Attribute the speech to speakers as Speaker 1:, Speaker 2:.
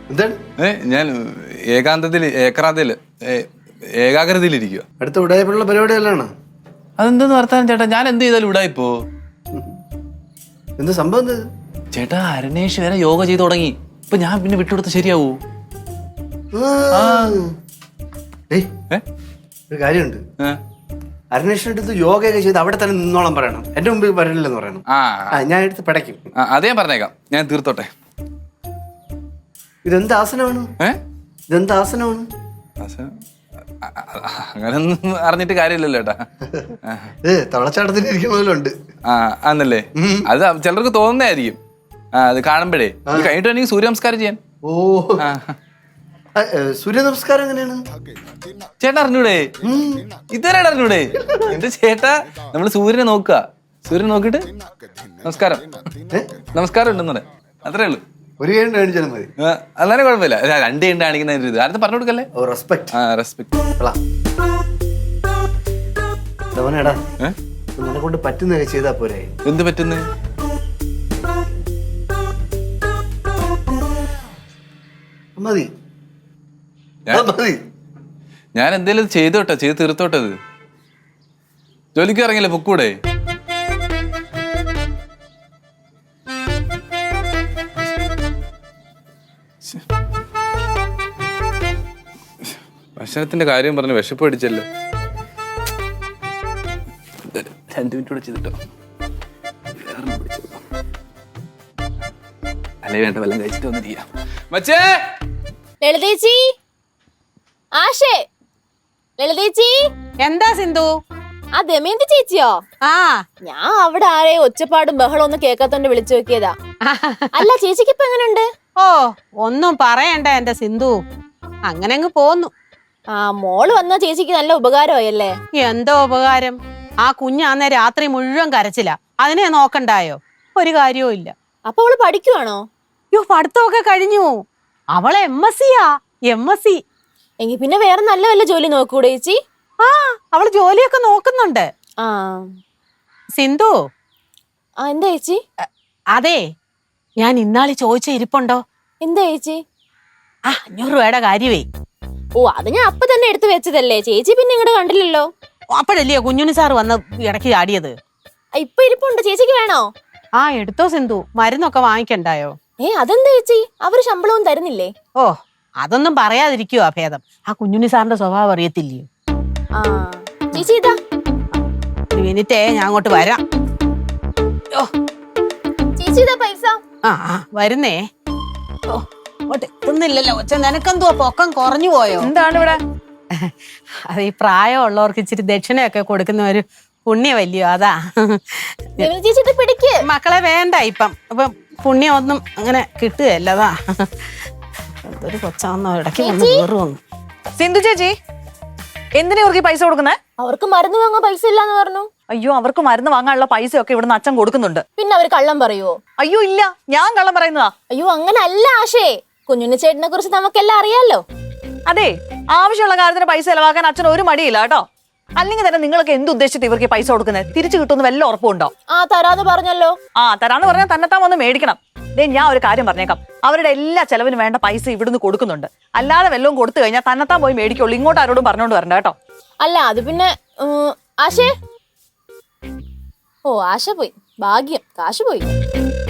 Speaker 1: ഞാൻ ഏകാഗ്രതയിലിരിക്കുക.
Speaker 2: അടുത്ത ഉടായ്പുള്ള പരിപാടിയല്ലാണ്.
Speaker 1: അതെന്തെന്ന് വർത്താനം ചേട്ടാ? ഞാൻ എന്ത് ചെയ്താലും ഉടായിപ്പോ?
Speaker 2: എന്ത് സംഭവം?
Speaker 1: ചേട്ടാ അരുണേഷ് വരെ യോഗ ചെയ്ത് തുടങ്ങി. ഇപ്പൊ ഞാൻ പിന്നെ വിട്ടുകൊടുത്ത് ശരിയാവൂ?
Speaker 2: ഒരു കാര്യമുണ്ട്. അരുണേഷിന്റെ അടുത്ത് യോഗയൊക്കെ ചെയ്ത് അവിടെ തന്നെ നിന്നോളം പറയണം. എന്റെ മുമ്പിൽ വരില്ലെന്ന് പറയണം. ഞാൻ എടുത്ത് പടയ്ക്കും.
Speaker 1: അതേ ഞാൻ പറഞ്ഞേക്കാം. ഞാൻ തീർത്തോട്ടെ.
Speaker 2: ഇതെന്ത് ആസനമാണ്? ഇതെന്ത് ആസനമാണ്?
Speaker 1: അങ്ങനൊന്നും അറിഞ്ഞിട്ട് കാര്യമില്ലല്ലോ ചേട്ടാ.
Speaker 2: തവളച്ചാട്ടത്തിന് ഇരിക്കണമല്ലോണ്ട്.
Speaker 1: ആന്നല്ലേ? അത് ചിലർക്ക് തോന്നുന്നതായിരിക്കും. അത് കാണുമ്പോഴേ കഴിഞ്ഞിട്ട് എനിക്ക് സൂര്യ നമസ്കാരം ചെയ്യാൻ.
Speaker 2: ഓ, സൂര്യ നമസ്കാരം എങ്ങനെയാണ്
Speaker 1: ചേട്ടാ? അറിഞ്ഞൂടെ? ഇതുവരെ അറിഞ്ഞൂടെ? എന്റെ ചേട്ടാ, നമ്മള് സൂര്യനെ നോക്കുക. സൂര്യനെ നോക്കിട്ട് നമസ്കാരം നമസ്കാരം ഉണ്ടെന്ന് പറയാം. അത്രേ ഉള്ളൂ.
Speaker 2: ഒരു കൈ കാണിച്ചാലും മതി.
Speaker 1: അല്ലാതെ കുഴപ്പമില്ല. രണ്ട് കൈ കാണിക്കുന്ന ഇത് ആരും പറഞ്ഞു കൊടുക്കല്ലേ. റെസ്പെക്ട്.
Speaker 2: നിന്നെ കൊണ്ട് പറ്റുന്നതൊക്കെ ചെയ്താ പോരെ?
Speaker 1: എന്ത് പറ്റുന്നേ?
Speaker 2: മതി.
Speaker 1: ഞാൻ എന്തേലും ചെയ്തോട്ടെ, ചെയ്ത് തീർത്തോട്ടത്. ജോലിക്ക് ഇറങ്ങില്ലേ, പൊക്കൂടെ? ഭക്ഷണത്തിന്റെ കാര്യം പറഞ്ഞ് വിശപ്പ് അടിച്ചല്ലോ. 2 മിനിറ്റ് കൂടെ ചെയ്തിട്ടോ. അല്ലേ വേണ്ട, വല്ലതും കഴിച്ചിട്ട് വന്നിരിക്കാം. മച്ചേ,
Speaker 3: ലളിതേച്ചി, ആശേ, ലളിതേച്ചി.
Speaker 4: എന്താ സിന്ധു?
Speaker 3: ആ ദമയന്തി ചേച്ചിയോ? ഞാൻ അവിടെ ആരെയും ഒച്ചപ്പാടും ബഹളം ഒന്നും കേൾക്കാത്തോണ്ട് വിളിച്ചു നോക്കിയതാ. അല്ല, ചേച്ചിക്ക് ഇപ്പൊ എങ്ങനെയുണ്ട്?
Speaker 4: ഓ, ഒന്നും പറയണ്ട എന്റെ സിന്ധു. അങ്ങനെ അങ്ങ് പോന്നു.
Speaker 3: മോള് വന്ന ചേച്ചിക്ക് നല്ല ഉപകാരമായല്ലേ?
Speaker 4: എന്തോ ഉപകാരം? ആ കുഞ്ഞാന്നേ രാത്രി മുഴുവൻ കരച്ചില്ല. അതിനെ നോക്കണ്ടായോ? ഒരു കാര്യവും ഇല്ല.
Speaker 3: അപ്പൊ അവള് പഠിക്കുവാണോ?
Speaker 4: പഠിത്തമൊക്കെ കഴിഞ്ഞു. അവളെ MSc.
Speaker 3: എങ്കി പിന്നെ വേറെ നല്ല വല്ല ജോലി നോക്കൂടെ ചേച്ചി?
Speaker 4: അവള് ജോലിയൊക്കെ നോക്കുന്നുണ്ട്. സിന്ധു.
Speaker 3: എന്താ ചേച്ചി?
Speaker 4: അതെ, ഞാൻ ഇന്നാളി ചോദിച്ച ഇരിപ്പുണ്ടോ?
Speaker 3: എന്താ ചേച്ചി?
Speaker 4: 500 രൂപയുടെ കാര്യമേ.
Speaker 3: ഓ, അത് ഞാൻ അപ്പൊ തന്നെ എടുത്തു വെച്ചതല്ലേ ചേച്ചി, പിന്നെ ഇങ്ങോട്ട് കണ്ടില്ലല്ലോ.
Speaker 4: അപ്പോഴല്ലേ കുഞ്ഞുണ്ണി സാർ വന്ന് ഇടയ്ക്ക് ചാടിയത്.
Speaker 3: ഇപ്പൊ ഇരിപ്പുണ്ട്. ചേച്ചിക്ക് വേണോ?
Speaker 4: എടുത്തോ സിന്ധു. മരുന്നൊക്കെ വാങ്ങിക്കണ്ടായോ?
Speaker 3: അതെന്താ ചേച്ചി, അവര് ശമ്പളവും തരുന്നില്ലേ?
Speaker 4: ഓ, അതൊന്നും പറയാതിരിക്കുവാ ഭേദം. ആ കുഞ്ഞുണ്ണി സാറിന്റെ സ്വഭാവം അറിയത്തില്ലയോ?
Speaker 3: ചേച്ചി ഇതാ.
Speaker 4: ഒരു മിനിറ്റേ, ഞാൻ അങ്ങോട്ട് വരാം.
Speaker 3: ചേച്ചി ഇതാ പൈസ.
Speaker 4: വരുന്നേ. എത്തുന്നില്ലല്ലോ. നിനക്കെന്തുവാ പൊക്കം കുറഞ്ഞു പോയോ?
Speaker 5: എന്താണ് ഇവിടെ?
Speaker 4: അത് ഈ പ്രായമുള്ളവർക്ക് ഇച്ചിരി ദക്ഷിണയൊക്കെ കൊടുക്കുന്ന ഒരു പുണ്യമല്ലയോ, അതാ.
Speaker 3: ചേച്ചി പിടിക്ക്.
Speaker 4: മക്കളെ വേണ്ട ഇപ്പം. പുണ്യം ഒന്നും അങ്ങനെ കിട്ടുകയല്ല. അതാ എന്തൊരു കൊച്ചാന്നോ, ഇടയ്ക്ക് വന്ന് കയറുവന്നു.
Speaker 5: സിന്ധു ചേച്ചി, എന്തിനാ ഇവർക്ക് പൈസ കൊടുക്കുന്നേ?
Speaker 3: അവർക്ക് മരുന്ന് വാങ്ങാൻ പൈസ ഇല്ലാന്ന് പറഞ്ഞു.
Speaker 5: അയ്യോ, അവർക്ക് മരുന്ന് വാങ്ങാനുള്ള പൈസയൊക്കെ ഇവിടുന്ന് അച്ഛൻ കൊടുക്കുന്നുണ്ട്.
Speaker 3: പിന്നെ അവര് കള്ളം പറയുവോ?
Speaker 5: അയ്യോ ഇല്ല, ഞാൻ കള്ളം പറയുന്നതാ.
Speaker 3: അയ്യോ അങ്ങനെ അല്ല ആശേ, കുഞ്ഞുണ്ണി ചേട്ടനെ കുറിച്ച് നമുക്കെല്ലാം അറിയാലോ.
Speaker 5: അതെ, ആവശ്യമുള്ള കാര്യത്തിന് പൈസ ചെലവാക്കാൻ അച്ഛൻ ഒരു മടിയില്ല കേട്ടോ. അല്ലെങ്കിൽ തന്നെ നിങ്ങളൊക്കെ എന്തുദ്ദേശിച്ചിട്ട് ഇവർക്ക് പൈസ കൊടുക്കുന്നത്? തിരിച്ചു കിട്ടുമെന്ന് വല്ല ഉറപ്പുണ്ടോ?
Speaker 3: തരാന്ന് പറഞ്ഞല്ലോ.
Speaker 5: തരാന്ന് പറഞ്ഞാൽ തന്നെത്താൻ വന്ന് മേടിക്കണം. ഞാൻ ഒരു കാര്യം പറഞ്ഞേക്കാം, അവരുടെ എല്ലാ ചെലവിനും വേണ്ട പൈസ ഇവിടുന്ന് കൊടുക്കുന്നുണ്ട്. അല്ലാതെ വല്ലതും കൊടുത്തു കഴിഞ്ഞാൽ തന്നെത്താൻ പോയി മേടിക്കുള്ളൂ. ഇങ്ങോട്ട് ആരോടും പറഞ്ഞോണ്ട് വരണ്ട കേട്ടോ.
Speaker 3: അല്ല അത് പിന്നെ ആശേ. ഓ, ആശ പോയി. ഭാഗ്യം, കാശ് പോയി.